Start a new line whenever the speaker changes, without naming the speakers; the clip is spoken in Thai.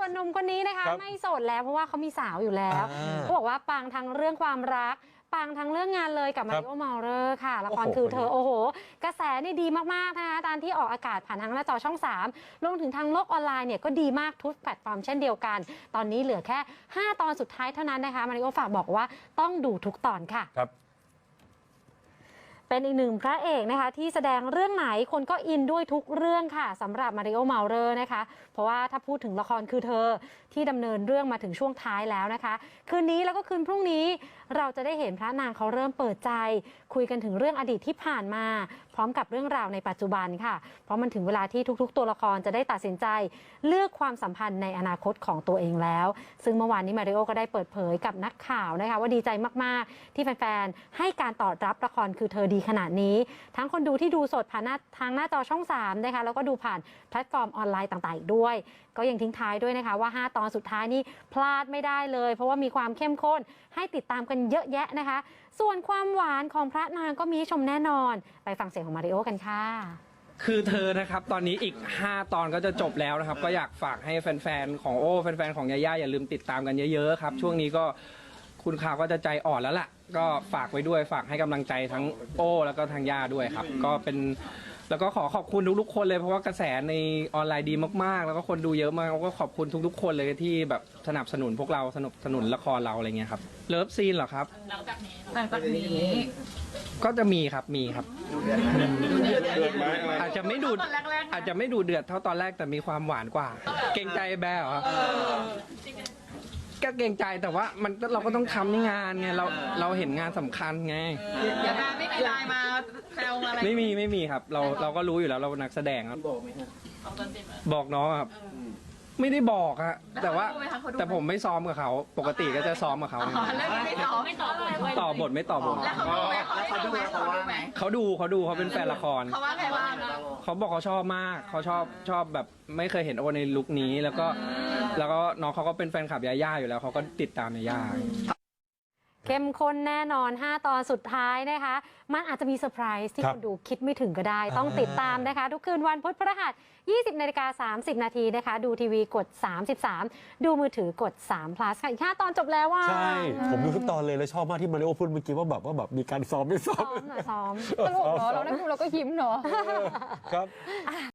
หนุ่มคนนี้นะคะไม่โสดแล้วเพราะว่าเขามีสาวอยู่แล้วเขาบอกว่าปังทั้งเรื่องความรักปังทั้งเรื่องงานเลยกับมาริโอ เมาเลอร์ค่ะละครคือเธอโอ้โหกระแสนี่ดีมากๆนะคะตามที่ออกอากาศผ่านทางหน้าจอช่อง3รวมถึงทางโลกออนไลน์เนี่ยก็ดีมากทุกแพลตฟอร์มเช่นเดียวกันตอนนี้เหลือแค่5 ตอนสุดท้ายเท่านั้นนะคะมาริโอฝากบอกว่าต้องดูทุกตอนค่ะเป็นอีกหนึ่งพระเอกนะคะที่แสดงเรื่องไหนคนก็อินด้วยทุกเรื่องค่ะสำหรับมาริโอ เมาเลอร์นะคะเพราะว่าถ้าพูดถึงละครคือเธอที่ดำเนินเรื่องมาถึงช่วงท้ายแล้วนะคะคืนนี้แล้วก็คืนพรุ่งนี้เราจะได้เห็นพระนางเขาเริ่มเปิดใจคุยกันถึงเรื่องอดีตที่ผ่านมาพร้อมกับเรื่องราวในปัจจุบันค่ะเพราะมันถึงเวลาที่ทุกๆตัวละครจะได้ตัดสินใจเลือกความสัมพันธ์ในอนาคตของตัวเองแล้วซึ่งเมื่อวานนี้มาริโอก็ได้เปิดเผยกับนักข่าวนะคะว่าดีใจมากๆที่แฟนๆให้การตอบรับละครคือเธอดีขนาดนี้ทั้งคนดูที่ดูสดผ่านทางหน้าจอช่อง3นะคะแล้วก็ดูผ่านแพลตฟอร์มออนไลน์ต่างๆอีกด้วยก็ยังทิ้งท้ายด้วยนะคะว่า5 ตอนสุดท้ายนี่พลาดไม่ได้เลยเพราะว่ามีความเข้มข้นให้ติดตามกันเยอะแยะนะคะส่วนความหวานของพระนางก็มีชมแน่นอนไปฟังเสียงของมาริโอกันค่ะ
คือเธอนะครับตอนนี้อีก5 ตอนก็จะจบแล้วนะครับก็อยากฝากให้แฟนๆของโอ้แฟนๆของยาย่าอย่าลืมติดตามกันเยอะๆครับช่วงนี้ก็คุณข่าวก็จะใจอ่อนแล้วล่ะก็ฝากไว้ด้วยฝากให้กำลังใจทั้งโอ้แล้วก็ทางย่าด้วยครับก็เป็นแล้วก็ขอขอบคุณทุกๆคนเลยเพราะว่ากระแสในออนไลน์ดีมากๆแล้วก็คนดูเยอะมากก็ขอบคุณทุกๆคนเลยที่แบบสนับสนุนพวกเราสนับสนุนละครเราอะไรเงี้ยครับเลิฟซีนเหรอครับหลังจากนี้ก็จะมีครับอาจจะไม่ดูเดือดเท่าตอนแรกแต่มีความหวานกว่าเกรงใจแบร์เหรอก็เกรงใจแต่ว่ามันเราก็ต้องทำในงานไงเราเห็นงานสำคัญไง
อย่าไม่มีไลน์มาแซวอะไร
ไม่มีครับเราก็รู้อยู่แล้วเรานักแสดงครับบอกน้องครับไม่ได้บอกอะแต่ผมไม่ซ้อมกับเขาปกติก็จะซ้อมกับเขาต่อบทไม่ต่อบท
แล้วเขาดูไหม
เขาดูเขาเป็นแฟนละคร
เขาว่าไงบ้าง
เขาบอกเขาชอบมากเขาชอบแบบไม่เคยเห็นโอในลุคนี้แล้วก็น้องเขาก็เป็นแฟนคลับยาย่าอยู่แล้วเขาก็ติดตามยาย่า
เข้มข้นแน่นอน5 ตอนสุดท้ายนะคะมันอาจจะมีเซอร์ไพรส์ที่คนดูคิดไม่ถึงก็ได้ต้องติดตามนะคะทุกคืนวันพุธพฤหัส 20:30 นาทีนะคะดูทีวีกด33ดูมือถือกด3 plus ค่ะอีก5 ตอนจบแล้วว่า
ใช่ผมดูทุกตอนเลยแล้วชอบมากที่มาริโอพูดเมื่อกี้ว่าแบบมีการซ้อมไม่ซ้อม
ตลกเนาะเราได้ดูเราก็ยิ้มเนาะ
ครับ